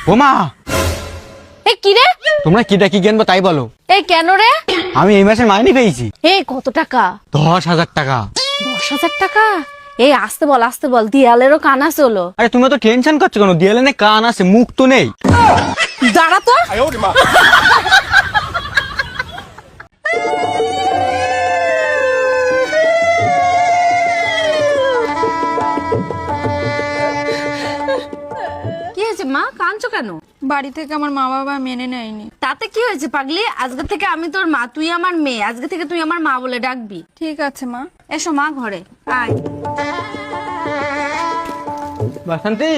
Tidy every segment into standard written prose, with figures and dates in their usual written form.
ও মা, এ কি রে? তোমরা কিটা কি কিনবো তাই বলো। এই কেন রে? আমি এই মাসে মাইনে পেয়েছি এই কত টাকা? 10,000 টাকা। 10,000 টাকা? এই আসতে বল, দেয়ালেরও কান আছে হলো। আরে তুমি তো টেনশন করছো কেন? দেয়ালে না কান আছে, মুখ তো নেই। দাঁড়া তো। কি হয়েছে মা, কাঁদছো কেন? বাড়ি থেকে আমার মা বাবা মেনে নেয়নি। তাতে কি হয়েছে পাগলি? আজকে থেকে আমি তোর মা, তুই আমার মেয়ে। আজকে থেকে তুই আমার মা বলে ডাকবি। ঠিক আছে মা। এসো মা, ঘরে আয়। বাসন্তী,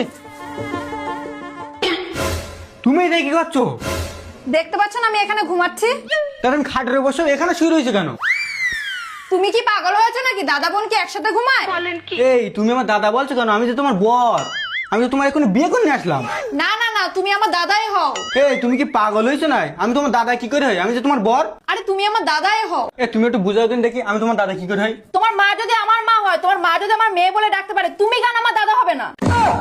তুমি এটা কি করছো? দেখতে পাচ্ছ না আমি এখানে ঘুমাচ্ছি? কারণ খাটের বসে এখানে শুয়ে রয়েছে কেন? তুমি কি পাগল হয়েছো নাকি? দাদা বোন কি একসাথে ঘুমায়? এই তুমি আমার দাদা বলছো কেন? আমি তো তোমার বর। আমি তো তোমার এখন বিয়ে করে নিয়ে আসলাম। না না না, তুমি আমার দাদাই হও। এই তুমি কি পাগল হয়েছো না? আমি তোমার দাদা কি করে হই? আমি যে তোমার বর। আরে তুমি আমার দাদাই হও। তুমি একটু বুঝাও দিন দেখি, আমি তোমার দাদা কি করে হই? তোমার মা যদি আমার মা হয়, তোমার মা যদি আমার মেয়ে বলে ডাকতে পারে, তুমি কেন আমার দাদা হবে না?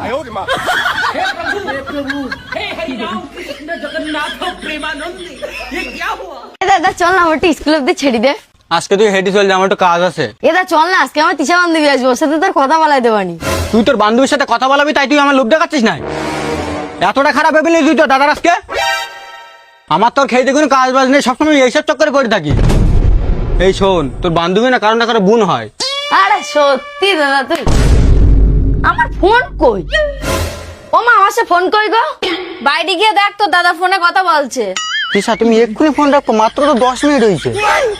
দাদা চল না, আমার স্কুল অব্দি ছেড়ে দে। আজকে তুই হেঁটে চল যা, আমার একটু কাজ আছে। এদা চল না, আজকে আমার তিশা বান্ধবী আসবো, ওর সাথে তোর কথা বলাই দেবানি। তুই তোর বান্ধবীর সাথে কথা বলাবি তাই তুই আমার লোভ দেখাচ্ছিস না? এতটা খারাপ ভেবে নিলি তুই তো দাদার আজকে? আমার তোর খেয়ে কোনো কাজ বাজ নেই, সবসময় এইসব চক্করে পড়ে থাকি। এই শোন, তোর বান্ধবী না কারণ না কারো বোন হয়। আরে সত্যি দাদা, তুই আমার ফোন কই? ও মা, আমার সাথে ফোন কই গো? বাইরে গিয়ে দেখ, তোর দাদা ফোনে কথা বলছে। তিশা তুমি এক্ষুনি ফোন রাখো, মাত্র তো 10 মিনিট হয়েছে।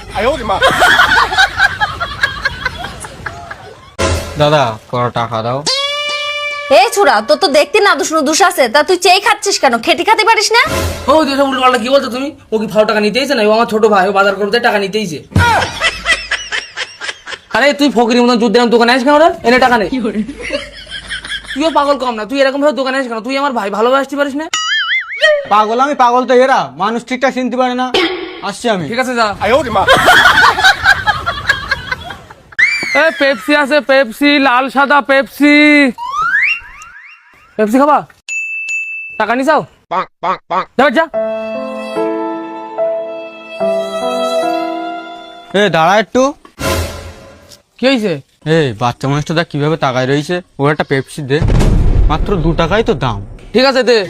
দাদা কত টাকা দাও? এই ছোড়া, তোর তো দেখতে না দুষ আছে, তা তুই চেয়ে খাচ্ছিস কেন? খেতে খাতে পারিস না? ও তুই সব উল্টোপাল্টা কি বলছো তুমি? ও কি ফাও টাকা নিতেইছে না? ও আমার ছোট ভাই, ও বাজার করতে টাকা নিতেইছে। আরে তুই ফকিরের মতন যুদ্ধ দোকানে আসিস কেন রে? এনে টাকা নেই। তুইও পাগল কম না, তুই এরকম ভাবে দোকানে আসিস কেন? তুই আমার ভাই, ভালোবাসতে পারিস না? পাগল আমি? পাগল তো এরা, মানুষ ঠিকঠাক চিনতে পারে না। আসছি আমি। ঠিক আছে যা। এ পেপসি আছে, পেপসি, লাল সাদা পেপসি। পেপসি খাবা? টাকা নি চাও? যা। এ দাঁড়া একটু। কি হয়েছে? এই বাচ্চা মানুষটা কিভাবে তাকায় রয়েছে? ওর একটা পেপসি দে, মাত্র 2 টাকাই তো দাম। ঠিক আছে দে।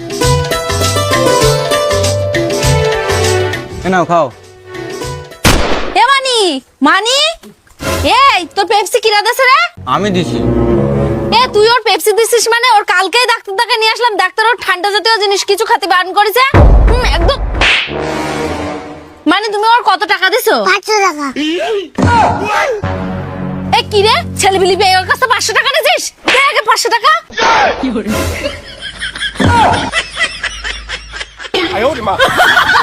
এ নাও খাও। এ মানি, এই তোর পেপসি কিরা দেছে রে? আমি দিছি। এ তুই ওর পেপসি দিছিস মানে? ওর কালকেই ডাক্তার দেখাতে নিয়ে আসলাম, ডাক্তার ওর ঠান্ডা জাতীয় জিনিস কিছু খেতে বারণ করেছে। একদম। মানে তুমি ওর কত টাকা দিছো? 500 টাকা। এ কি রে, ছেলেবিলি পেয়ে ওর কাছে 500 টাকা নিছিস? দে আগে 500 টাকা। কি